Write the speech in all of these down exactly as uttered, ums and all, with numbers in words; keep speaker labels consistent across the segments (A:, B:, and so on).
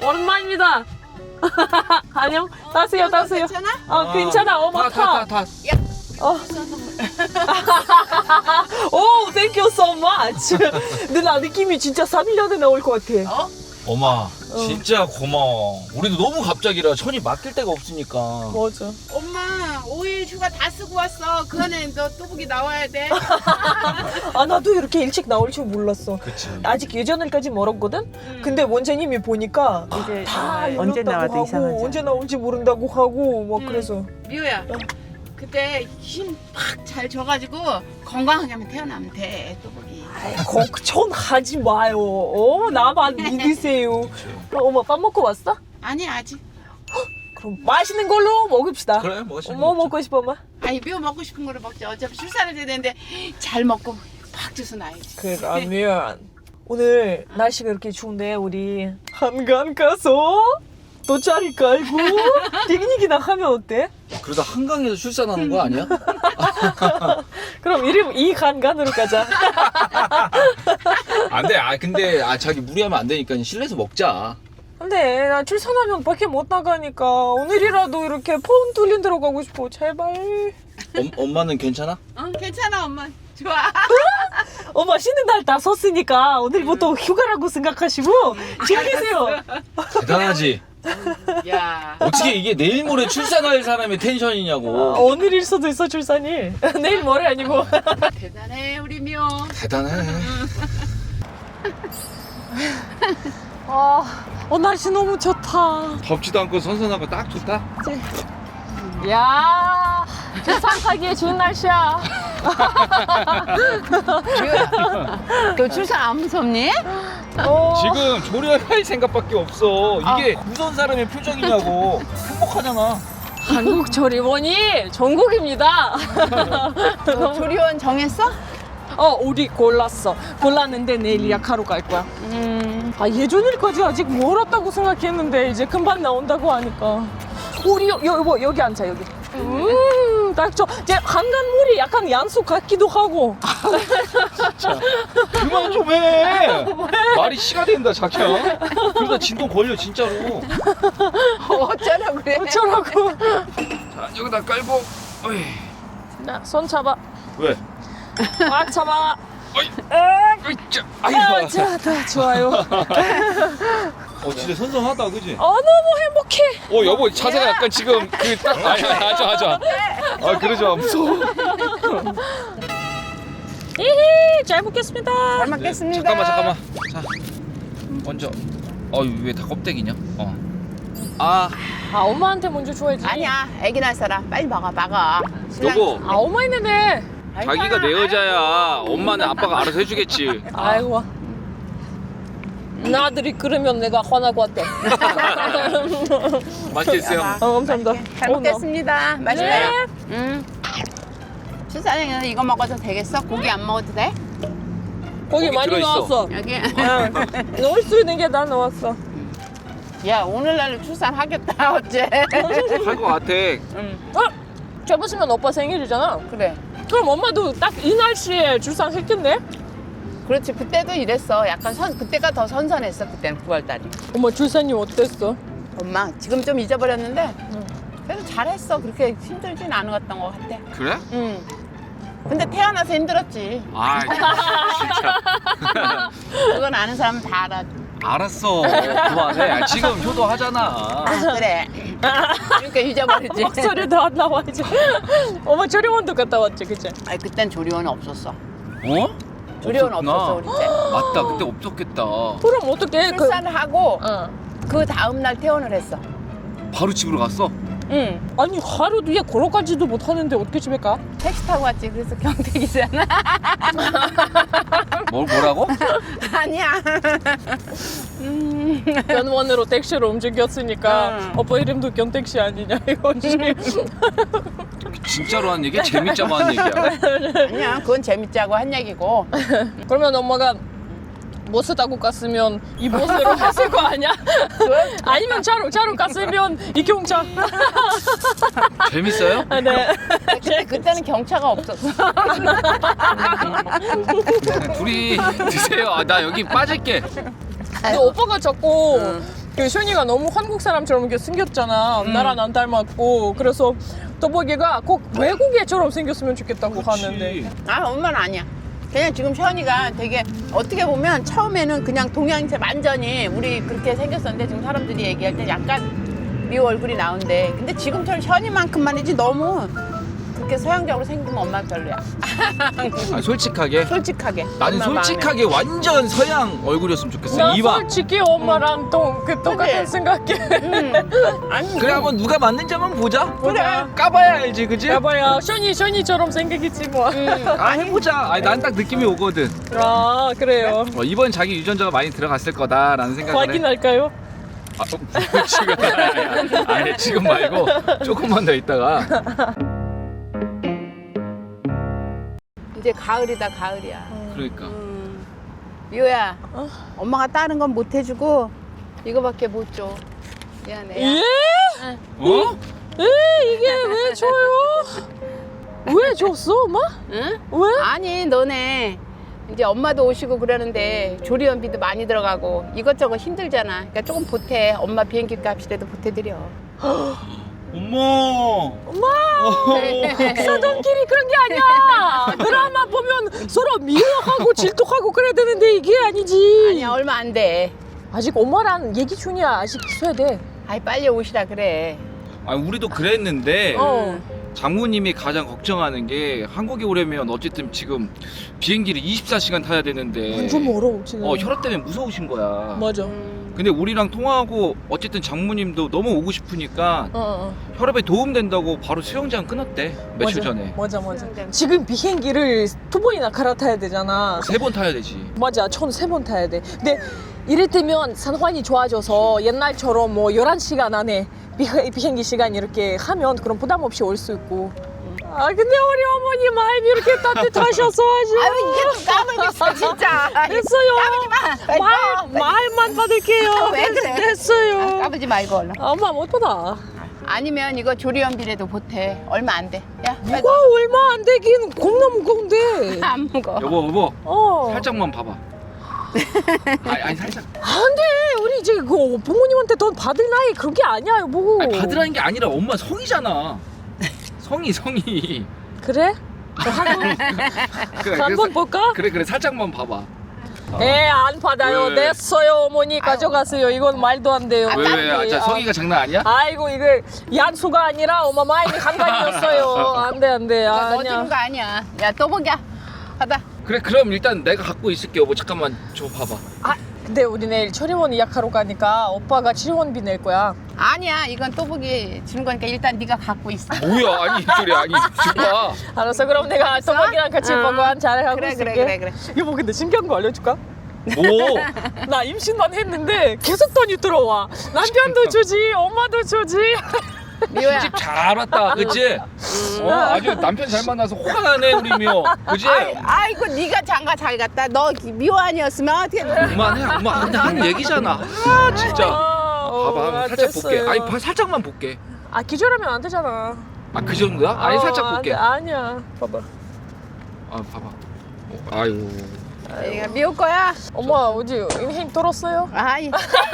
A: 오랜만입니다. 안녕. 타세요, 타세요.
B: 괜찮아?
A: 어, 괜찮아. 어머, 타.
C: 타, 타, 타.
A: 어. 오, thank you so much. 근데 나 느낌이 진짜 삼 일 안에 나올 것 같아.
B: 어?
C: 엄마, 진짜 고마워. 우리도 너무 갑자기라 천이 맡길 데가 없으니까.
A: 맞아.
B: 엄마 오 일 휴가 다 쓰고 왔어. 그 안에 너 뚜벅이 나와야 돼.
A: 아, 나도 이렇게 일찍 나올 줄 몰랐어.
C: 그치.
A: 아직 예전일까지 멀었거든?
B: 음.
A: 근데 원장님이 보니까
D: 이제
A: 다
D: 정말 언제
A: 열렸다고
D: 나와도
A: 하고
D: 이상하지
A: 언제 나올지 모른다고 하고 뭐
B: 음.
A: 그래서
B: 미호야. 그때 힘 팍 잘 줘가지고 건강하게 하면 태어나면 돼. 뚜벅이.
A: 걱정하지 마요. 어, 나만 믿으세요. 어, 엄마 밥 먹고 왔어?
B: 아니 아직.
A: 그럼 맛있는 걸로 먹읍시다.
C: 그래, 멋있는
A: 뭐
C: 거
A: 먹고 싶어, 엄마?
B: 아니 미호 먹고 싶은 거를 먹자. 어차피 출산을 해야 되는데 잘 먹고 팍 줘서 놔야지.
A: 그러면 오늘 날씨가 이렇게 추운데 우리 한강 가서 돗자리 깔고 피크닉이나 하면 어때?
C: 그러다 한강에서 출산하는 거 아니야?
A: 그럼 이름 이 한강으로 가자.
C: 안 돼. 아, 근데 아, 자기 무리하면 안 되니까 실내에서 먹자.
A: 근데 나 출산하면 밖에 못 나가니까 오늘이라도 이렇게 폰 뚫린 데로 가고 싶어. 제발.
C: 엄, 엄마는 괜찮아?
B: 응 괜찮아 엄마. 좋아.
A: 엄마 쉬는 날 다 썼으니까 오늘부터 휴가라고 생각하시고 즐기세요.
C: 대단하지?
B: 야.
C: 어떻게 이게 내일 모레 출산할 사람의 텐션이냐고.
A: 어, 오늘일 수도 있어 출산이. 내일 모레 아니고.
B: 대단해 우리 미호.
C: 대단해.
A: 아, 어, 날씨 너무 좋다.
C: 덥지도 않고 선선하고 딱 좋다.
A: 야, 출산하기에 좋은 날씨야.
B: 미호야. 너 출산 안 무섭니?
A: 어,
C: 지금 조련할 생각밖에 없어. 이게 무서운 사람의 표정이냐고. 행복하잖아.
A: 한국 조리원이 전국입니다.
B: 너 조리원 정했어?
A: 어, 우리 골랐어. 골랐는데 내일 예약하러 갈 거야.
B: 음.
A: 아, 예전일까지 아직 멀었다고 생각했는데 이제 금방 나온다고 하니까. 우리 여, 여, 여, 여기 앉아 여기. 음, 딱 저, 이제 한강물이 약간 양수 같기도 하고.
C: 그만 좀 해. 말이 씨가 된다, 자기야. 그러다 진동 걸려, 진짜로.
B: 어쩌라고 그래?
A: 어쩌라고.
C: 자, 여기다 깔고. 어이.
A: 자, 손 잡아.
C: 왜?
A: 꽉 잡아.
C: 어이. 어이, 자.
A: 아,
C: 아이고.
A: 자, 다 좋아요.
C: 어, 진짜 선선하다, 그지?
A: 어, 너무 행복해.
C: 어, 여보, 자세가 약간 지금 그 딱. 아니, 하자, 하자. 아, 그러지 마, 무서워.
A: 히히, 잘 먹겠습니다.
B: 잘 먹겠습니다.
C: 잠깐만, 잠깐만. 자, 먼저. 어, 왜 다 껍데기냐? 어. 아,
A: 아, 엄마한테 먼저 줘야지.
B: 아니야, 애기 낳을 사람 빨리 먹어, 먹어.
C: 여보.
A: 아, 엄마 있는데.
C: 자기가 내 여자야. 엄마는 아빠가 알아서 해주겠지.
A: 아이고. 나들이 그러면 내가 화나고 왔대.
C: 맛있게 드세요.
A: 어, 감사합니다.
B: 잘
A: 어,
B: 먹겠습니다. 맛있어요.
A: 네.
B: 음. 출산해서 이거 먹어도 되겠어? 고기 안 먹어도 돼?
A: 나 고기
C: 고기
A: 많이
C: 들어있어.
A: 나왔어.
B: 여기.
A: 응. 넣을 수 있는 게 다 넣었어.
B: 야, 오늘날로 출산하겠다, 어째?
C: 할 것 같아.
B: 응,
A: 어? 접으시면 오빠 생일이잖아.
B: 그래.
A: 그럼 엄마도 딱 이 날씨에 출산했겠네?
B: 그렇지, 그때도 이랬어. 약간 선, 그때가 더 선선했어, 그때는 구월 달이.
A: 엄마 출산이 어땠어?
B: 엄마, 지금 좀 잊어버렸는데, 그래도 잘했어. 그렇게 힘들진 않았던 것 같아.
C: 그래?
B: 응. 근데 태어나서 힘들었지.
C: 아, 진짜.
B: 그건 아는 사람은 다 알아.
C: 알았어. 그만해. 아, 지금 효도하잖아.
B: 아, 그래. 그러니까 잊어버리지.
A: 목소리도 안 나와 이제. 엄마 조리원도 갔다 왔지, 그치?
B: 아니, 그땐 조리원 없었어.
C: 어?
B: 조리원
C: 없었구나.
B: 없었어, 우리 때.
C: 맞다. 그때 없었겠다.
A: 그럼 어떻게? 그,
B: 출산을 하고,
A: 어.
B: 그 다음날 퇴원을 했어.
C: 바로 집으로 갔어?
B: 응.
A: 아니 하루 뒤에 걸어가지도 못하는데 어떻게 집에 가?
B: 택시 타고 왔지. 그래서 경택이잖아.
C: 뭘, 뭐라고?
B: 아니야. 음.
A: 견원으로 택시로 움직였으니까
B: 응.
A: 오빠 이름도 견택시 아니냐 이거지.
C: 진짜로 한 얘기야? 재밌자고 한 얘기야?
B: 아니야. 그건 재밌자고 한 얘기고.
A: 그러면 엄마가 버스 타고 갔으면 이 버스로 했을 거 아니야? 아니면 차로 차로 갔으면 이 경차.
C: 재밌어요?
A: 아, 네.
B: 근데 그때는 경차가 없었어.
C: 둘이 드세요. 아, 나 여기 빠질게.
A: 근데 오빠가 자꾸 그 쇼니가 너무 한국 사람처럼 이렇게 생겼잖아.
C: 음.
A: 나랑 안 닮았고. 그래서 또보기가 꼭 외국 애처럼 생겼으면 좋겠다고 하는데.
B: 아 엄마는 아니야. 그냥 지금 션이가 되게 어떻게 보면 처음에는 그냥 동양체 완전히 우리 그렇게 생겼었는데 지금 사람들이 얘기할 때 약간 미호 얼굴이 나온대. 근데 지금처럼 션이만큼만이지 너무 그렇게 서양적으로 생기면 엄마 별로야.
C: 아, 솔직하게
B: 솔직하게.
C: 나는
B: 엄마
C: 솔직하게 완전 서양 얼굴이었으면 좋겠어.
A: 나
C: 이봐.
A: 솔직히 엄마랑 또 그 똑같은
B: 그치?
A: 생각해.
B: 마음에. 응. 아니
C: 그래 한번 누가 맞는지 한번 보자.
A: 그래.
C: 까봐야 알지, 그지?
A: 야봐야 쇼니 쇼니처럼 생기겠지 뭐.
C: 아 해보자. 아니 난 딱 느낌이 오거든.
A: 아 그래요.
C: 어, 이번 자기 유전자가 많이 들어갔을 거다라는 생각을 해.
A: 확인할까요?
C: 아, 어, 지금 아니 지금 말고 조금만 더 있다가.
B: 이제 가을이다 가을이야.
C: 그러니까.
B: 음. 미호야.
A: 어?
B: 엄마가 다른 건 못 해주고 이거밖에 못 줘. 미안해.
A: 예?
C: 어?
A: 에 이게 왜 줘요? 왜 줬어 엄마?
B: 응?
A: 왜?
B: 아니 너네 이제 엄마도 오시고 그러는데 조리원비도 많이 들어가고 이것저것 힘들잖아. 그러니까 조금 보태. 엄마 비행기 값이라도 보태드려.
C: 엄마.
A: 엄마
C: 어.
A: 사돈끼리 그런 게 아니야. 드라마 보면 서로 미워하고 질투하고 그래야 되는데 이게 아니지.
B: 아니야 얼마 안 돼.
A: 아직 엄마랑 얘기 중이야. 아직 있어야 돼.
B: 아이 빨리 오시라 그래.
C: 아 우리도 그랬는데
A: 어.
C: 장모님이 가장 걱정하는 게 한국에 오려면 어쨌든 지금 비행기를 이십사 시간 타야 되는데
A: 완전 멀어 지금.
C: 어 혈압 때문에 무서우신 거야.
A: 맞아.
B: 음.
C: 근데 우리랑 통화하고 어쨌든 장모님도 너무 오고 싶으니까
A: 어, 어.
C: 혈압에 도움 된다고 바로 수영장 끊었대 며칠
A: 맞아.
C: 전에.
A: 맞아 맞아.
B: 수영장.
A: 지금 비행기를 두 번이나 갈아타야 되잖아.
C: 세 번 타야 되지.
A: 맞아. 전 세 번 타야 돼. 근데 이를테면 상황이 좋아져서 옛날처럼 뭐 열한 시간 안에 비- 비행기 시간 이렇게 하면 그런 부담 없이 올 수 있고. 아 근데 우리 어머니 마음이 이렇게 따뜻하셔서 아주.
B: 아유 이게 또 까불겠어 진짜.
A: 됐어요.
B: 까불지 마.
A: 말, 말만 받을게요.
B: 왜 그래?
A: 됐어요.
B: 아, 까불지 말고 얼른.
A: 엄마 못 받아.
B: 아니면 이거 조리원비라도 보태. 얼마 안 돼. 야 빨리
A: 이거 얼마 안 되긴 겁나 무거운데.
B: 안 먹어.
C: 여보 여보
A: 어.
C: 살짝만 봐봐. 아니, 아니 살짝.
A: 안 돼. 우리 이제 그 부모님한테 돈 받을 나이 그런 게 아니야, 여보.
C: 아니 받으라는 게 아니라 엄마 성이잖아. 성이 성이.
A: 그래? 한번
C: 그래,
A: 한번
C: 그래서-
A: 볼까?
C: 그래 그래 살짝만 봐봐. 어.
A: 에, 안 받아요.
C: 왜, 왜?
A: 냈어요, 어머니. 가져가세요. 이건 말도 안 돼요.
C: 왜 왜? 아, 진짜
A: 아,
C: 성이가 장난 아니야?
A: 아이고, 이거 양수가 아니라 엄마 마음이 한간이었어요. 안 돼, 안 돼.
B: 너
A: 아니야.
B: 주는 거 아니야. 야 또 보기야. 받아.
C: 그래 그럼 일단 내가 갖고 있을게 여보. 잠깐만 줘 봐봐.
A: 아, 근데 우리 내일 처리원 예약하러 가니까 오빠가 치료원비 낼 거야.
B: 아니야 이건 또 보기 주는 거니까 일단 네가 갖고 있어.
C: 뭐야? 아니 소리 아니 줘봐.
A: 알았어, 그럼 내가 또박이랑 같이
B: 응.
A: 보고 한 잘하고
B: 그래,
A: 있을게.
B: 그래, 그래,
A: 여보, 근데 신기한 거 알려줄까?
C: 뭐?
A: 나 임신만 했는데 계속 돈이 들어와. 남편도 주지, 엄마도 주지.
B: 미호야.
C: 집 잘 왔다, 그치? 어, 아주 남편 잘 만나서 화가 나네 우리 미호, 그치?
B: 아이, 아이고 네가 장가 잘 갔다. 너 미호 아니었으면 어떻게?
C: 그만해, 엄마 근데 한 얘기잖아. 아 진짜.
A: 어,
C: 봐봐,
A: 아,
C: 살짝
A: 됐어요.
C: 볼게. 아니, 봐, 살짝만 볼게.
A: 아, 기절하면 안 되잖아.
C: 아 그 정도야? 아니
A: 어,
C: 살짝
A: 안
C: 볼게.
A: 돼.
C: 아
A: 아니야. 봐봐.
C: 봐봐. 어, 아이고.
B: 얘가 미호 거야.
A: 엄마, 어디 힘 들었어요?
B: 아이.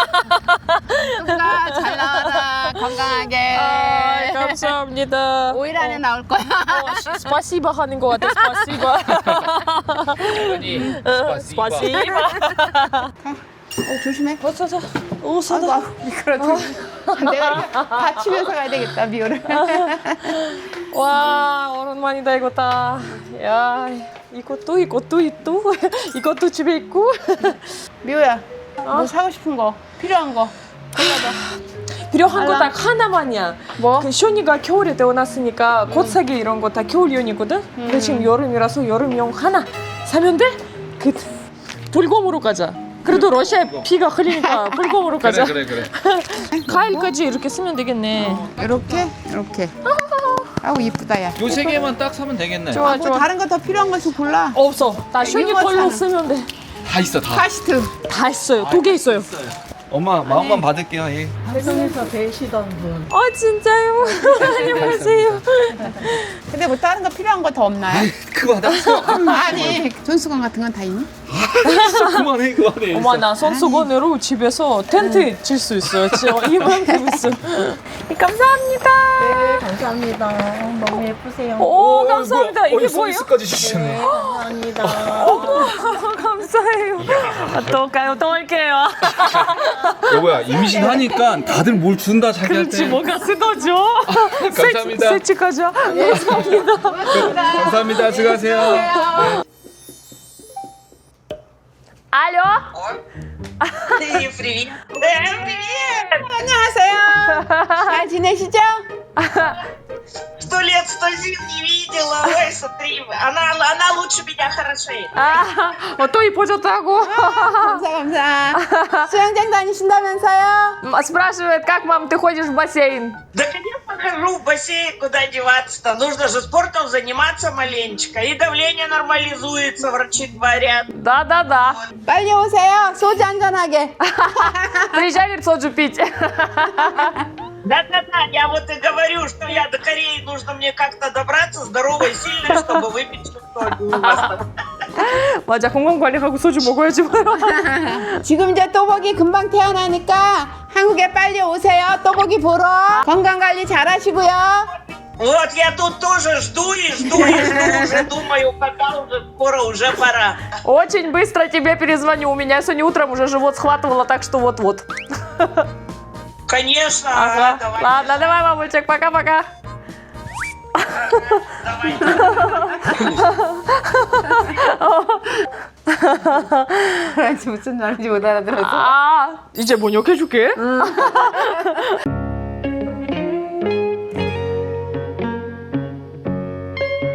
B: 누가 잘 나와라 건강하게.
A: 아, 감사합니다.
B: 오 일 안에 나올 거야.
A: 어, 스파시바 하는 거 같아, 스파시바.
C: 아니,
A: 스파시바.
B: 어, 조심해.
A: 어서, 어서. 어서.
B: 아이고 미끄러져. 내가 이렇게 받치면서 가야 되겠다 미호를.
A: 와, 오랜만이다, 이거 다. 야, 이것도, 이것도, 이것도, 이것도 집에 있고.
B: 미호야. 뭐 사고 싶은 거 필요한 거 골라봐.
A: 필요한 거
B: 알람.
A: 딱 하나만이야.
B: 뭐?
A: 그 쇼니가 겨울에 태어났으니까 곧 사기 이런 거 다 겨울용이거든. 근데 지금 여름이라서 여름용 하나 사면 돼? 그 불곰으로 가자. 그래도 러시아에 피가 흐리니까 불곰으로
C: 그래
A: 가자.
C: 그래 그래.
A: 가을까지 이렇게 쓰면 되겠네.
B: 이렇게 이렇게. 아우 이쁘다 야.
C: 요 세 개만 딱 사면 되겠네.
A: 좋아,
B: 아, 뭐
A: 좋아.
B: 다른 거 더 필요한 거 좀 골라.
A: 없어. 나 쇼니
B: 이거
A: 걸로
B: 사는.
A: 쓰면 돼.
C: 다 있어 다.
B: 카시트.
A: 다 있어요. 두 개 있어요.
C: 엄마 마음만 받을게요. 예.
A: 세상에서 배시던 분. 어, 진짜요? 안녕하세요.
B: 근데 뭐 다른 거 필요한 거 더 없나요?
C: 그거 받았어.
B: 아니 존수건 같은 건 다 있니?
C: 진짜 그만해 그만해.
A: 어머 나 손수건으로 집에서 텐트 칠 수 있어요. 진짜 이만큼 있어. 감사합니다.
D: 네, 감사합니다. 너무 예쁘세요.
A: 오, 감사합니다. 이게 뭐예요?
C: 서비스까지 주시네.
D: 네, 감사합니다.
A: 감사해요. 또 올까요? 또 올게요.
C: 여보야 임신하니까 다들 뭘 준다 자기한테.
A: 그렇지 뭐가 쓰더죠.
C: 감사합니다.
A: 세치 가자. 감사합니다.
C: 감사합니다. 수고하세요.
A: 알려?
E: Ты привет. Да, привет.
B: 안녕하세요. 잘 지내시죠?
E: Сто лет, сто зим не видела. Ой, смотри, она, она лучше меня хорошеет.
A: 아, 어, 또 이뻐졌다고.
B: 감사 감사. 수영장 다니신다면서요?
A: М, Спрашивает, как, мам, ты ходишь в бассейн?
E: Да, конечно, хожу в бассейн, куда деваться-то. Нужно же спортом заниматься маленечко. И давление нормализуется, врачи говорят.
A: Да-да-да.
B: 빨리 오세요. 소주 한잔하게.
A: Приезжай, говорит, соджу пить.
E: Да-да-да, я вот и говорю, что я до Кореи нужно мне как-то добраться, здоровой и сильной, чтобы выпить что-то.
A: 맞아, 건강관리하고 소주 먹어야지.
B: 지금 이제 또보기 금방 태어나니까 한국에 빨리 오세요. 또보기 보러. 건강 관리 잘하시고요.
E: Вот я тут тоже жду и жду и жду, уже думаю, когда уже скоро, уже пора.
A: Очень быстро тебе перезвоню. У меня сегодня утром уже живот схватывало, так что вот-вот.
E: Конечно,
A: Ага.
E: давай.
A: Ладно, давай, мамочек, пока-пока.
B: 무슨 말인지 못 알아들었어.
A: 아, 이제 번역해줄게.